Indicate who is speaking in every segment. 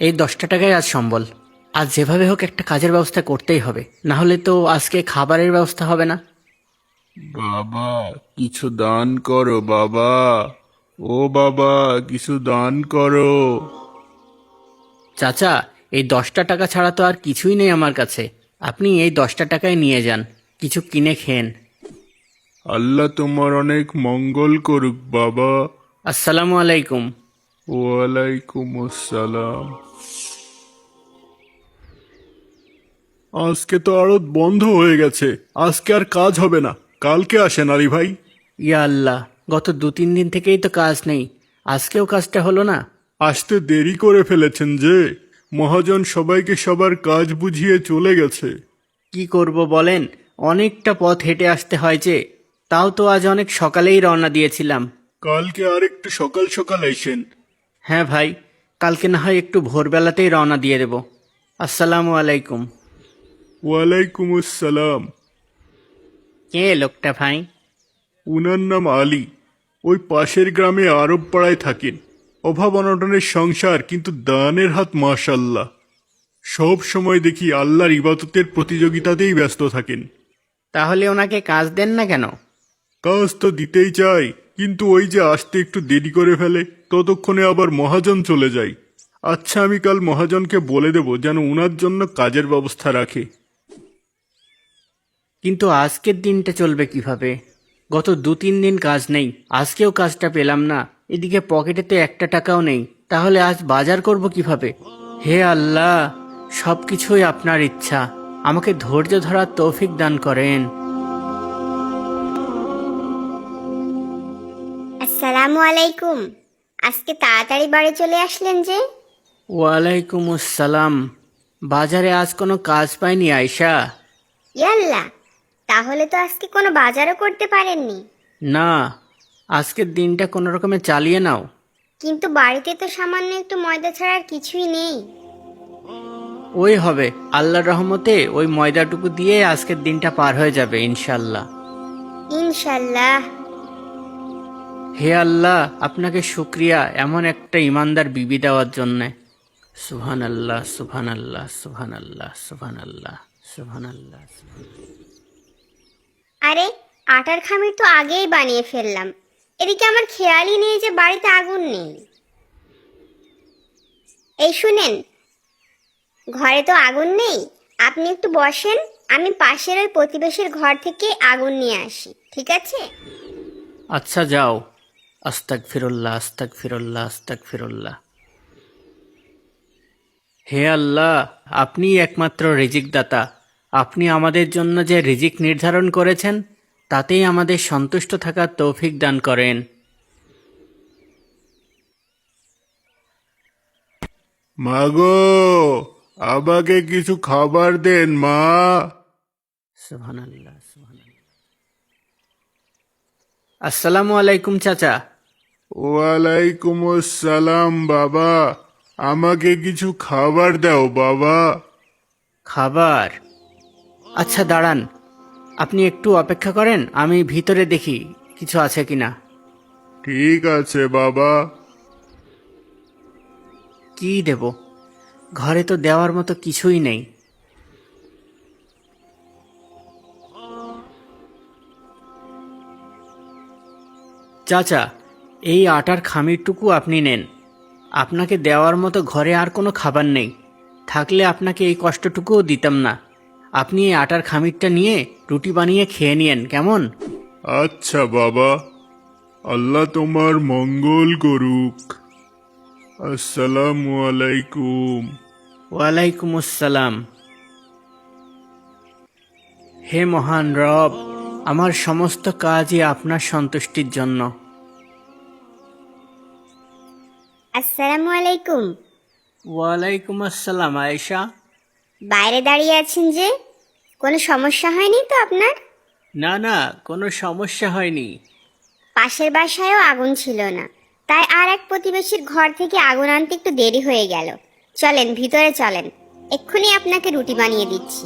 Speaker 1: এই 10টা টাকায় আজ সম্বল। আজ যেভাবে হোক একটা কাজের ব্যবস্থা করতেই হবে, না হলে তো আজকে খাবারের ব্যবস্থা হবে না।
Speaker 2: বাবা, কিছু দান করো বাবা। ও বাবা, কিছু দান করো।
Speaker 1: চাচা, এই 10টা টাকা ছাড়া তো আর কিছুই নেই আমার কাছে। আপনি এই 10টা টাকায় নিয়ে যান, কিছু কিনে খেন।
Speaker 2: আল্লাহ তোমার অনেক মঙ্গল করুক বাবা।
Speaker 1: আসসালামু আলাইকুম।
Speaker 2: ওয়ালাইকুম আসসালাম। আজকে তো আড়ত বন্ধ হয়ে গেছে, আজকে আর কাজ হবে না। কালকে আসেন আলী ভাই।
Speaker 1: ইয়া আল্লাহ, গত 2-3 দিন থেকেই তো কাজ নেই, আজকেও কাজটা হলো না।
Speaker 2: আসতে দেরি করে ফেলেছেন যে, মহাজন সবাইকে সবার কাজ বুঝিয়ে চলে গেছে।
Speaker 1: কি করব বলেন, অনেকটা পথ হেঁটে আসতে হয় যে। তাও তো আজ অনেক সকালেই রওনা দিয়েছিলাম।
Speaker 2: কালকে আর একটু সকাল সকাল আইসেন।
Speaker 1: হ্যাঁ ভাই, কালকে না হয় একটু ভোরবেলাতেই রওনা দিয়ে দেব। আসসালামু আলাইকুম।
Speaker 2: ওয়ালাইকুম আসসালাম।
Speaker 1: কে লোকটা ভাই?
Speaker 2: উনার নাম আলী। ওই পাশের গ্রামে আরব পাড়ায় থাকেন। অভাব অনটনের সংসার, কিন্তু দানের হাত মাশাল্লাহ। সব সময় দেখি আল্লাহর ইবাদতের প্রতিযোগিতাতেই ব্যস্ত থাকেন।
Speaker 1: তাহলে ওনাকে কাজ দেন না কেন?
Speaker 2: কাজ তো দিতেই চাই, কিন্তু ওই যে আসতে একটু দেরি করে ফেলে, ততক্ষণে আবার মহাজন চলে যায়। আচ্ছা, আমি কাল মহাজনকে বলে দেব যেন উনার জন্য কাজের ব্যবস্থা রাখে।
Speaker 1: কিন্তু আজকের দিনটা চলবে কিভাবে? গত 2-3 দিন কাজ নেই, আজকেও কাজটা পেলাম না। এদিকে পকেটে তো একটা টাকাও নেই, তাহলে আজ বাজার করব কিভাবে? হে আল্লাহ, সব কিছুই আপনার ইচ্ছা, আমাকে ধৈর্য ধরার তৌফিক দান করেন।
Speaker 3: আসসালামু আলাইকুম। আজকে তাড়াতাড়ি বাড়ি চলে আসলেন যে?
Speaker 1: ওয়ালাইকুম আসসালাম। বাজারে আজ কোনো কাজ পাইনি আয়শা।
Speaker 3: ইয়াল্লা, তাহলে তো আজকে কোনো বাজারও করতে পারেননি।
Speaker 1: না, আজকের দিনটা কোনো রকমে চালিয়ে নাও।
Speaker 3: কিন্তু বাড়িতে তো সামান্য একটু ময়দা ছাড়া আর কিছুই নেই।
Speaker 1: ওই হবে, আল্লাহর রহমতে ওই ময়দাটুকু দিয়ে আজকের দিনটা পার হয়ে যাবে ইনশাল্লাহ।
Speaker 3: ইনশাল্লাহ।
Speaker 1: হে আল্লাহ, আপনাকে শুক্রিয়া এমন একটা ইমানদার বিবি দেওয়ার জন্যে। সুবহান আল্লাহ, সুবহান আল্লাহ, সুবহান আল্লাহ, সুবহান আল্লাহ, সুবহান আল্লাহ।
Speaker 3: আরে, আটার খামির তো আগেই বানিয়ে ফেললাম। এদিকে আমার খেয়ালই নেই যে বাড়িতে আগুন নেই। এই শুনেন, ঘরে তো আগুন নেই, আপনি একটু বসেন, আমি পাশের ওই প্রতিবেশীর ঘর থেকে আগুন নিয়ে আসি, ঠিক আছে?
Speaker 1: আচ্ছা যাও। আস্তাগফিরুল্লাহ, আস্তাগফিরুল্লাহ, আস্তাগফিরুল্লাহ। হে আল্লাহ, আপনিই একমাত্র রিজিক দাতা। আপনি আমাদের জন্য যে রিজিক নির্ধারণ করেছেন, তাতেই আমাদের সন্তুষ্ট থাকার তৌফিক দান করেন।
Speaker 2: মাগো, আমাকে কিছু খাবার দেন মা।
Speaker 1: সুবহানাল্লাহ, সুবহানাল্লাহ। আসসালামু আলাইকুম চাচা।
Speaker 2: ওয়ালাইকুম আসসালাম বাবা। আমাকে কিছু খাবার দাও বাবা।
Speaker 1: খাবার? আচ্ছা দাঁড়ান, আপনি একটু অপেক্ষা করেন, আমি ভিতরে দেখি কিছু আছে কিনা।
Speaker 2: ঠিক আছে বাবা।
Speaker 1: কি দেব? ঘরে তো দেওয়ার মতো কিছুই নেই। চাচা, এই আটার খামিরটুকু আপনি নেন। আপনাকে দেওয়ার মতো ঘরে আর কোনো খাবার নেই, থাকলে আপনাকে এই কষ্টটুকুও দিতাম না। আপনি এই আটার খামিরটা নিয়ে রুটি বানিয়ে খেয়ে নিয়েন, কেমন?
Speaker 2: আচ্ছা বাবা, আল্লাহ তোমার মঙ্গল করুক। আসসালামু আলাইকুম।
Speaker 1: ওয়ালাইকুম আসসালাম। হে মহান রব, আমার সমস্ত কাজই আপনার সন্তুষ্টির জন্য।
Speaker 3: আসসালামু আলাইকুম।
Speaker 1: ওয়ালাইকুম আসসালাম আয়েশা।
Speaker 3: বাইরে দাঁড়িয়ে আছেন যে, কোনো সমস্যা হয়নি তো আপনার?
Speaker 1: না না, কোনো সমস্যা হয়নি।
Speaker 3: পাশের বাসায়ও আগুন ছিল না, তাই আর এক প্রতিবেশীর ঘর থেকে আগুন আনতে একটু দেরি হয়ে গেল। চলেন ভিতরে চলেন, এক্ষুনি আপনাকে রুটি বানিয়ে দিচ্ছি।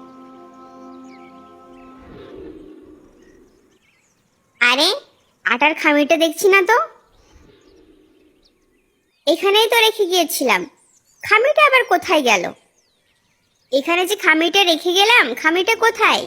Speaker 3: আরে, আটার খামিরটা দেখছি না তো। এখানেই তো রেখে গিয়েছিলাম, খামিটা আবার কোথায় গেল? এখানে যে খামিটা রেখে গেলাম, খামিটা কোথায়?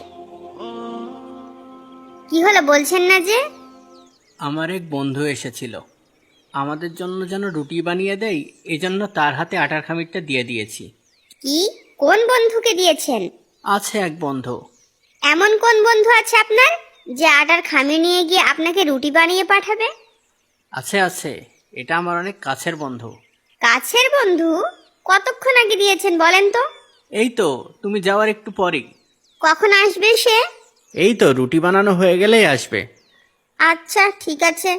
Speaker 3: কি হলো বলছেন না যে?
Speaker 1: আমার এক বন্ধু এসেছিল, আমাদের জন্য যেন রুটি বানিয়ে দেয়, এজন্য তার হাতে আটার খামিরটা দিয়ে দিয়েছি।
Speaker 3: কি? কোন বন্ধুকে দিয়েছেন?
Speaker 1: আছে এক বন্ধু।
Speaker 3: এমন কোন বন্ধু আছে আপনার যে আটার খামি নিয়ে গিয়ে আপনাকে রুটি বানিয়ে পাঠাবে?
Speaker 1: আছে আছে, এটা আমার অনেক কাছের বন্ধু।
Speaker 3: কাছের বন্ধু? কতক্ষণ আগে দিয়েছেন বলেন তো?
Speaker 1: এই তো তুমি যাওয়ার একটু পরেই।
Speaker 3: কখন আসবে সে?
Speaker 1: এই তো রুটি বানানো হয়ে গেলেই আসবে।
Speaker 3: আচ্ছা ঠিক আছে।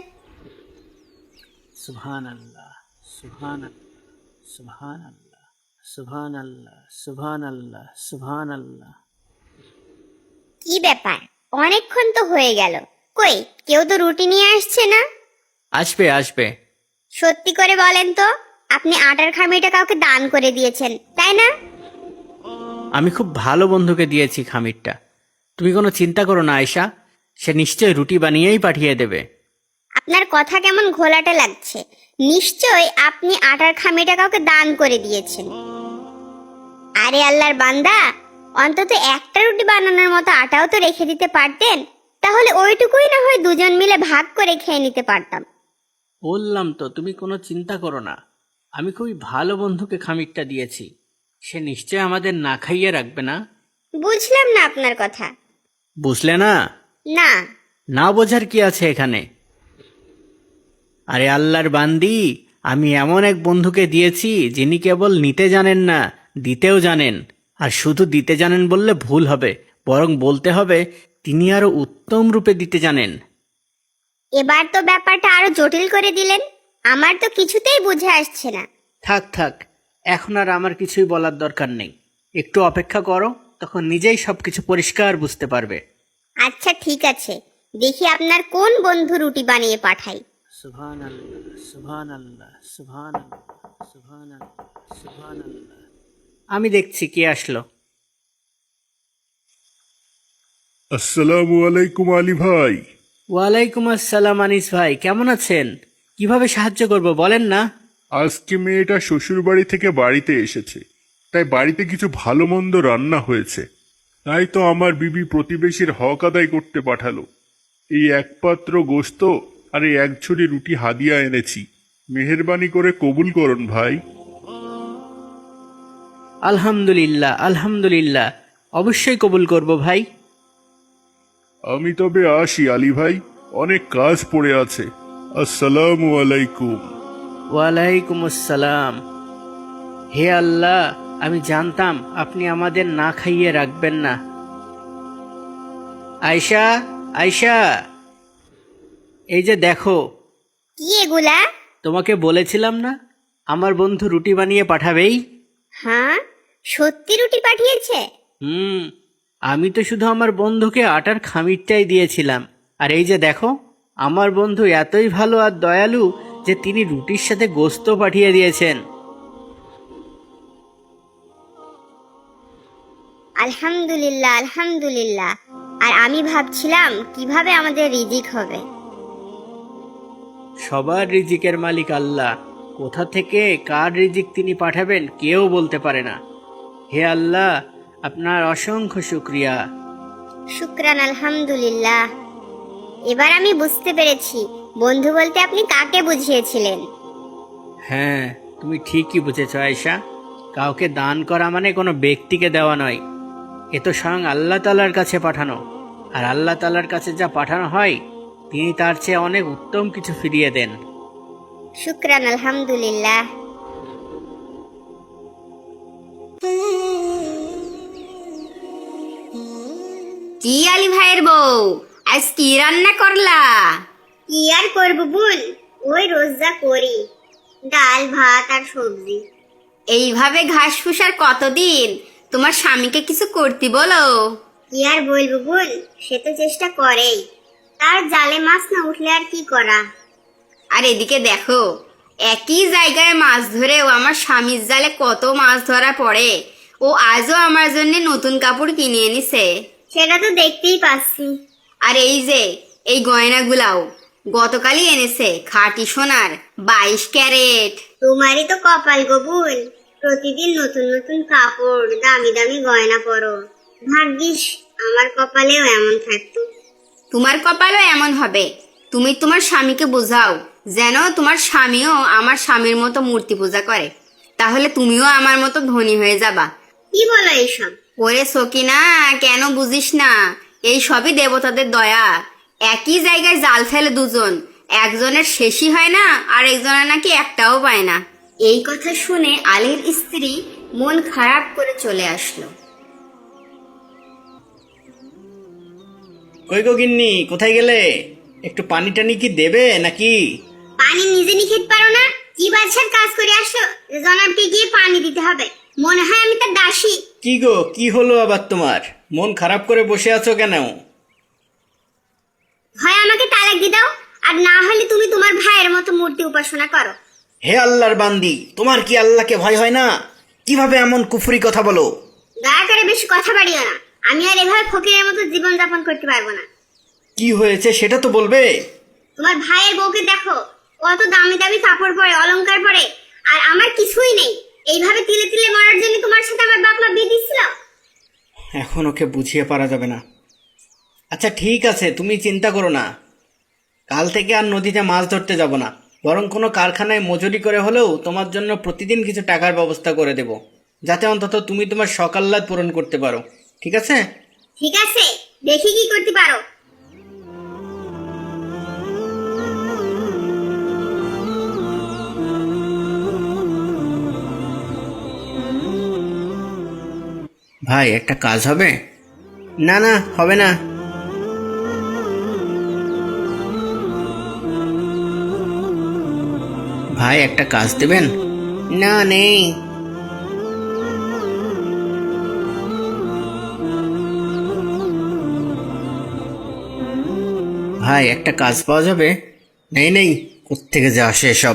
Speaker 1: সুবহান আল্লাহ, সুবহান আল্লাহ, সুবহান আল্লাহ, সুবহান আল্লাহ, সুবহান আল্লাহ, সুবহান আল্লাহ।
Speaker 3: কি ব্যাপার, অনেকক্ষণ তো হয়ে গেল, কই কেউ তো রুটি নিয়ে আসছে না?
Speaker 1: আসবে আসবে।
Speaker 3: সত্যি করে বলেন তো, আপনি আটার খামিটা কাউকে দান করে দিয়েছেন তাই না?
Speaker 1: আমি খুব ভালো বন্ধুকে দিয়েছি খামিরটা, তুমি কোনো চিন্তা করো না আয়শা, সে নিশ্চয়ই রুটি বানিয়েই পাঠিয়ে দেবে।
Speaker 3: আপনার কথা কেমন ঘোলাটে লাগছে। নিশ্চয় আপনি আটার খামিটা কাউকে দান করে দিয়েছেন। আরে আল্লাহর বান্দা, অন্তত একটা রুটি বানানোর মতো আটাও তো রেখে দিতে পারতেন, তাহলে ওইটুকুই না হয় দুজন মিলে ভাগ করে খেয়ে নিতে পারতাম।
Speaker 1: বললাম তো তুমি কোনো চিন্তা করো না, আমি খুবই ভালো বন্ধুকে খামিরটা দিয়েছি, সে নিশ্চয় আমাদের না খাইয়ে রাখবে না।
Speaker 3: বুঝলাম না আপনার কথা।
Speaker 1: বুঝলে না?
Speaker 3: না।
Speaker 1: না বোঝার কি আছে এখানে? আরে আল্লাহর বান্দি, আমি এমন এক বন্ধুকে দিয়েছি যিনি কেবল নিতে জানেন না, দিতেও জানেন। আর শুধু দিতে জানেন বললে ভুল হবে, বরং বলতে হবে তিনি আরো উত্তম রূপে দিতে জানেন।
Speaker 3: এবার তো ব্যাপারটা আরো জটিল করে দিলেন, আমার তো কিছুতেই বুঝে আসছে না।
Speaker 1: থাক থাক, এখন আর আমার কিছুই বলার দরকার নেই, একটু অপেক্ষা করো, তখন নিজেই সবকিছু পরিষ্কার বুঝতে পারবে।
Speaker 3: আচ্ছা ঠিক আছে, দেখি আপনার কোন বন্ধু রুটি বানিয়ে পাঠাই।
Speaker 1: সুবহান আল্লাহ, সুবহান আল্লাহ, সুবহান আল্লাহ, সুবহান আল্লাহ, সুবহান আল্লাহ। আমি দেখছি কে আসলো।
Speaker 2: আসসালামু আলাইকুম আলী ভাই।
Speaker 1: ওয়ালাইকুম আসসালাম আনিস ভাই, কেমন আছেন? কিভাবে সাহায্য করব বলেন না?
Speaker 2: আজকে মেয়েটা শ্বশুর বাড়ি থেকে বাড়িতে এসেছে, তাই বাড়িতে কিছু ভালো মন্দ রান্না হয়েছে, তাই তো আমার বিবি প্রতিবেশীর হক আদায় করতে পাঠালো। এই এক পাত্র গোশত আর এই এক ঝুড়ি রুটি হাদিয়া এনেছি, মেহেরবানি করে কবুল করুন ভাই।
Speaker 1: আলহামদুলিল্লাহ আলহামদুলিল্লাহ, অবশ্যই কবুল করব ভাই।
Speaker 2: আমি তবে আসি আলী ভাই, অনেক কাজ পড়ে আছে। আসসালামু আলাইকুম।
Speaker 1: ওয়ালাইকুম আসসালাম। হে আল্লাহ, আমি জানতাম আপনি আমাদের না খাইয়ে রাখবেন না। আয়শা, আয়শা, এই যে দেখো।
Speaker 3: কি এগুলা?
Speaker 1: তোমাকে বলেছিলাম না আমার বন্ধু রুটি বানিয়ে পাঠাবেই?
Speaker 3: হ্যাঁ, সত্যি রুটি পাঠিয়েছে?
Speaker 1: আমি তো শুধু আমার বন্ধুকে আটার খামিরটাই দিয়েছিলাম, আর এই যে দেখো, আমার বন্ধু এতই ভালো আর দয়ালু যে তিনি রুটির সাথে গোশত পাঠিয়ে দিয়েছেন।
Speaker 3: আলহামদুলিল্লাহ আলহামদুলিল্লাহ। আর আমি ভাবছিলাম কিভাবে আমাদের রিজিক হবে।
Speaker 1: সবার রিজিকের মালিক আল্লাহ, কোথা থেকে কার রিজিক তিনি পাঠাবেন কেউ বলতে পারে না। হে আল্লাহ, আপনার অসংখ্য শুকরিয়া।
Speaker 3: শুকরান আলহামদুলিল্লাহ। এবার আমি বুঝতে পেরেছি বন্ধু বলতে আপনি কাকে বুঝিয়েছিলেন।
Speaker 1: হ্যাঁ, তুমি ঠিকই বুঝেছ আয়েশা, কাউকে দান করা মানে কোনো ব্যক্তিকে দেওয়া নয়, এ তো স্বয়ং আল্লাহ তাআলার কাছে পাঠানো, আর আল্লাহ তাআলার কাছে যা পাঠানো হয় তিনি তার চেয়ে অনেক উত্তম কিছু ফিরিয়ে দেন।
Speaker 3: শুকরান আলহামদুলিল্লাহ।
Speaker 4: কি আলী ভাইয়ের বউ, আজ কি রান্না করলা?
Speaker 3: কি আর করবো বোন, ওই রোজ যা করি, ডাল ভাত আর সবজি।
Speaker 4: এইভাবে ঘাস ফুসার কতদিন? তোমার স্বামীকে কিছু করতে বলো।
Speaker 3: কি আর বলবো বোন, সে তো চেষ্টা করেই, তার জালে মাছ না উঠলে আর কি করা।
Speaker 4: আর এদিকে দেখো, একই জায়গায় মাছ ধরেও আমার স্বামীর জালে কত মাছ ধরা পড়ে। ও আজও আমার জন্য নতুন কাপড় কিনে এনেছে।
Speaker 3: সেটা তো দেখতেই পাচ্ছি।
Speaker 4: আর এই যে এই গয়নাগুলাও গতকালই এনেছে, খাঁটি সোনার 22 ক্যারেট।
Speaker 3: তোমারই তো কপাল গো বোন, প্রতিদিন নতুন নতুন কাপড়, দামি দামি গয়না পরো। ভাগ্যিস আমার কপালেও এমন থাকতো।
Speaker 4: তোমার কপালও এমন হবে। তুমি তোমার স্বামীকে বোঝাও যেন তোমার স্বামীও আমার স্বামীর মতো মূর্তি পূজা করে, তাহলে তুমিও আমার মতো ধনী হয়ে যাবা।
Speaker 3: কি বলো এইসব?
Speaker 4: ওরে সকিনা, কেন বুঝিস না? এই সবই দেবতাদের দয়া। একই জায়গায় জাল ফেলে দুজন, একজনের শেষই হয় না আর একজনের নাকি একটাও পায় না। এই কথা শুনে আলীর স্ত্রী মন খারাপ করে চলে আসলো।
Speaker 1: কই গো গিন্নি, কোথায় গেলে? একটু পানি টানি কি দেবে নাকি?
Speaker 3: পানি নিজে নিয়ে খেতে পারো না? কি বাদশার কাজ করে আসো যে জনাবকে গিয়ে পানি দিতে হবে? মনে হয় আমি তার দাসী।
Speaker 1: কি গো, কি হলো আবার তোমার? মন খারাপ করে বসে আছো কেন?
Speaker 3: হয় আমাকে তালাক দিয়ে দাও, আর না হলে তুমি তোমার ভাইয়ের মতো মূর্তি উপাসনা করো।
Speaker 1: হে আল্লাহর বান্দি, তোমার কি আল্লাহকে ভয় হয় না? কিভাবে এমন কুফরি কথা বলো?
Speaker 3: দয়া করে বেশি কথা বাড়িও না। আমি আর এভাবে ফকিরের মতো জীবন যাপন করতে পারবো না।
Speaker 1: কি হয়েছে সেটা তো বলবে।
Speaker 3: তোমার ভাইয়ের বউকে দেখো, কত দামি দামি কাপড় পরে, অলংকার পরে, আর আমার কিছুই নেই। এইভাবে তিলে তিলে মরার জন্য তোমার সাথে আমার বাপ মা বিয়ে দিচ্ছিল।
Speaker 1: এখন ওকে বুঝিয়ে পারা যাবে না। আচ্ছা ঠিক আছে, তুমি চিন্তা করো না। কাল থেকে আর নদীতে মাছ ধরতে যাব না, বরং কোনো কারখানায় মজুরি করে হলেও তোমার জন্য প্রতিদিন কিছু টাকার ব্যবস্থা করে দেব, যাতে অন্তত তুমি তোমার শখ আহ্লাদ পূরণ করতে পারো। ঠিক আছে?
Speaker 3: ঠিক আছে, দেখি কি করতে পারো।
Speaker 1: ভাই, একটা কাজ হবে? না না, হবে না। ভাই, একটা কাজ দেবেন? না, নেই। ভাই, একটা কাজ পাওয়া যাবে? নেই নেই, কোত্থেকে যে আসে সব।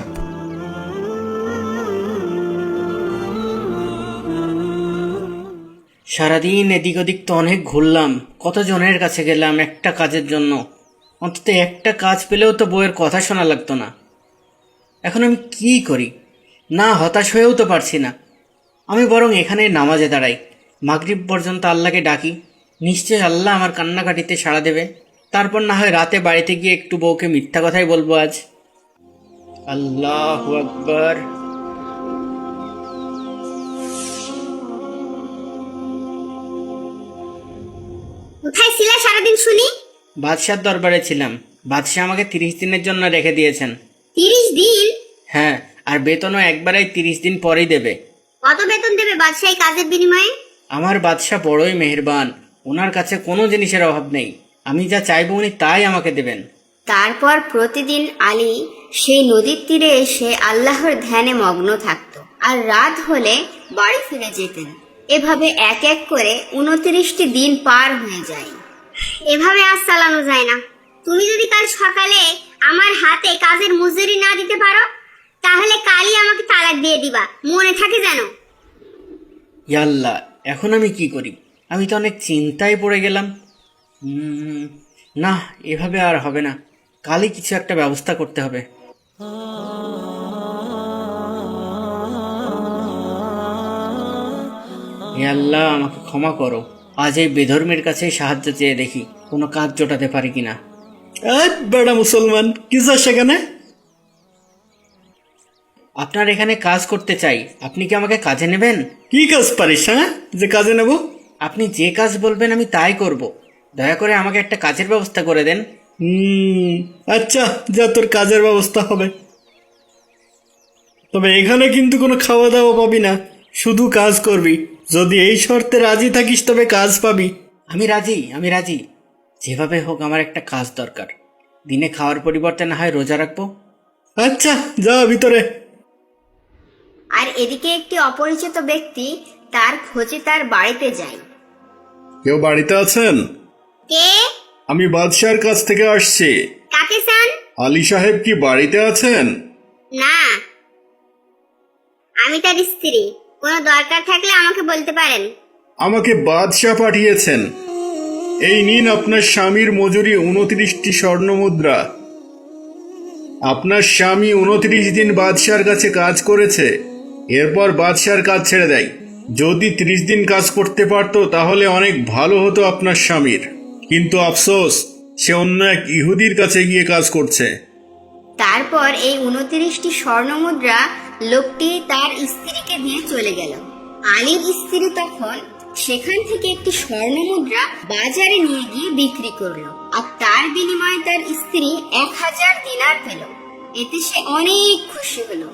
Speaker 1: সারাদিন এদিক ওদিক তো অনেক ঘুরলাম, কতজনের কাছে গেলাম একটা কাজের জন্য। অন্তত একটা কাজ পেলেও তো বউয়ের কথা শোনা লাগতো না। এখন আমি কি করি? না, হতাশ হয়েও তো পারছি না। আমি বরং এখানে নামাজে দাঁড়াই, মাগরিব পর্যন্ত আল্লাহকে ডাকি। নিশ্চয় আল্লাহ আমার কান্নাকাটিতে সাড়া দেবে। তারপর না হয় রাতে বাড়িতে গিয়ে একটু বউকে মিথ্যা কথাই বলবো আজ। আল্লাহু আকবার।
Speaker 3: কোথায় ছিলে সারাদিন শুনি?
Speaker 1: বাদশার দরবারে ছিলাম। বাদশাহ আমাকে 30 দিনের জন্য রেখে দিয়েছেন।
Speaker 3: 30 দিন?
Speaker 1: হ্যাঁ, আর বেতনও একবারেই 30 দিন পরেই দেবে।
Speaker 3: কত বেতন দেবে বাদশাহ এই কাজের বিনিময়ে?
Speaker 1: আমার বাদশাহ বড়ই মেহেরবান, ওনার কাছে কোনো জিনিসের অভাব নেই। আমি যা চাইবো উনি তাই আমাকে দেবেন।
Speaker 4: তারপর প্রতিদিন আলী সেই নদীর তীরে এসে আল্লাহর ধ্যানে মগ্ন থাকত, আর রাত হলে বাড়ি ফিরে যেতেন। এভাবে এক এক করে 29টি দিন পার হয়ে যায়।
Speaker 3: এভাবে আজ চালানো যায় না। তুমি যদি কাল সকালে আমার হাতে কাজের মজুরি না দিতে পারো, তাহলে কালই আমাকে তালাক দিয়ে দিবা, মনে থাকে যেন।
Speaker 1: ইয়া আল্লাহ, এখন আমি কি করি? আমি তো অনেক চিন্তায় পড়ে গেলাম। না, এভাবে আর হবে না। কালই কিছু একটা ব্যবস্থা করতে হবে। হে আল্লাহ, আমাকে ক্ষমা করো। আজ এই বেধর্মের কাছে সাহায্য চেয়ে দেখি কোনো কাজ জোটাতে পারি কিনা। বেড়া মুসলমান, কি যা সেখানে? আপনার এখানে কাজ করতে চাই, আপনি কি আমাকে কাজে নেবেন? কি কাজ পারিস, হ্যাঁ, যে কাজে নেব? আপনি যে কাজ বলবেন আমি তাই করব। দয়া করে আমাকে একটা কাজের ব্যবস্থা করে দেন।
Speaker 2: আচ্ছা, যা, তোর কাজের ব্যবস্থা হবে। তবে এখানে কিন্তু কোনো খাওয়া দাওয়া পাবি না, শুধু কাজ করবি। যদি এই শর্তে রাজি থাকিস তবে কাজ পাবি।
Speaker 1: আমি রাজি, আমি রাজি। যেভাবে হোক আমার একটা কাজ দরকার। দিনে খাওয়ার পরিবর্তে না হয় রোজা রাখবো।
Speaker 2: আচ্ছা, যা ভিতরে।
Speaker 4: আর এদিকে একটি অপরিচিত ব্যক্তি তার খোঁজে তার বাড়িতে যায়।
Speaker 2: কেউ বাড়িতে আছেন?
Speaker 3: কে?
Speaker 2: আমি বাদশার কাছ থেকে আসছি।
Speaker 3: কাকে চান?
Speaker 2: আলী সাহেব কি বাড়িতে আছেন?
Speaker 3: না, আমি তার স্ত্রী। কোনো দরকার থাকলে আমাকে বলতে পারেন।
Speaker 2: আমাকে বাদশাহ পাঠিয়েছেন। এই নিন আপনার স্বামীর মজুরি 29টি স্বর্ণ মুদ্রা। আপনার স্বামী 29 দিন বাদশার কাছে কাজ করেছে, এরপর বাদশার কাজ ছেড়ে দেয়। যদি 30 দিন কাজ করতে পারতো তাহলে অনেক ভালো হতো আপনার স্বামীর, কিন্তু আফসোস সে অন্য এক ইহুদির কাছে গিয়ে কাজ করছে।
Speaker 4: তারপর এই 29টি স্বর্ণ মুদ্রা লোকটি তার স্ত্রীকে দিয়ে চলে গেল। আলীর স্ত্রী তখন সেখান থেকে একটি স্বর্ণ মুদ্রা বাজারে নিয়ে গিয়ে বিক্রি করলো, আর তার বিনিময়ে তার স্ত্রী 1000 দিনার পেল। এতে সে অনেক খুশি হলো।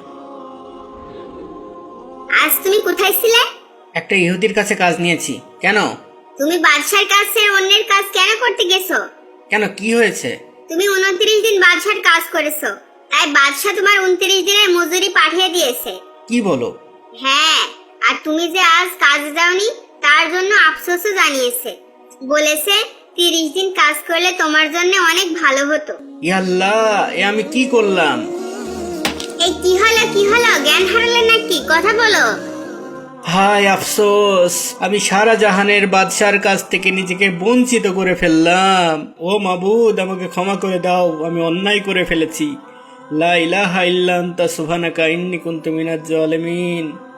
Speaker 3: আজ তুমি কোথায় ছিলে?
Speaker 1: একটা ইহুদির কাছে কাজ নিয়েছি। কেন?
Speaker 3: তুমি বাদশার কাছে অন্যের কাজ কেন করতে গেছো?
Speaker 1: কেন, কি হয়েছে?
Speaker 3: তুমি 29 দিন বাদশার কাজ করেছো, তাই বাদশা তোমার 29 দিনের মজুরি পাঠিয়ে দিয়েছে।
Speaker 1: কি বলো?
Speaker 3: হ্যাঁ, আর তুমি যে আজ কাজে যাওনি তার জন্য আফসোসও জানিয়েছে। বলেছে 30 দিন কাজ করলে তোমার জন্য অনেক ভালো হতো।
Speaker 1: ইয়া আল্লাহ, এ আমি কি করলাম?
Speaker 3: এই কি হলো কি হলো, জ্ঞান হারালে নাকি? কথা বলো।
Speaker 1: হায় আফসোস, আমি সারা জাহানের বাদশার কাছ থেকে নিজেকে বঞ্চিত করে ফেললাম। ও মাবুদ, আমাকে ক্ষমা করে দাও, আমি অন্যায় করে ফেলেছি। লা ইলাহা ইল্লা আনতা সুবহানাকা ইন্নী কুনতু মিনাজ জালিমিন।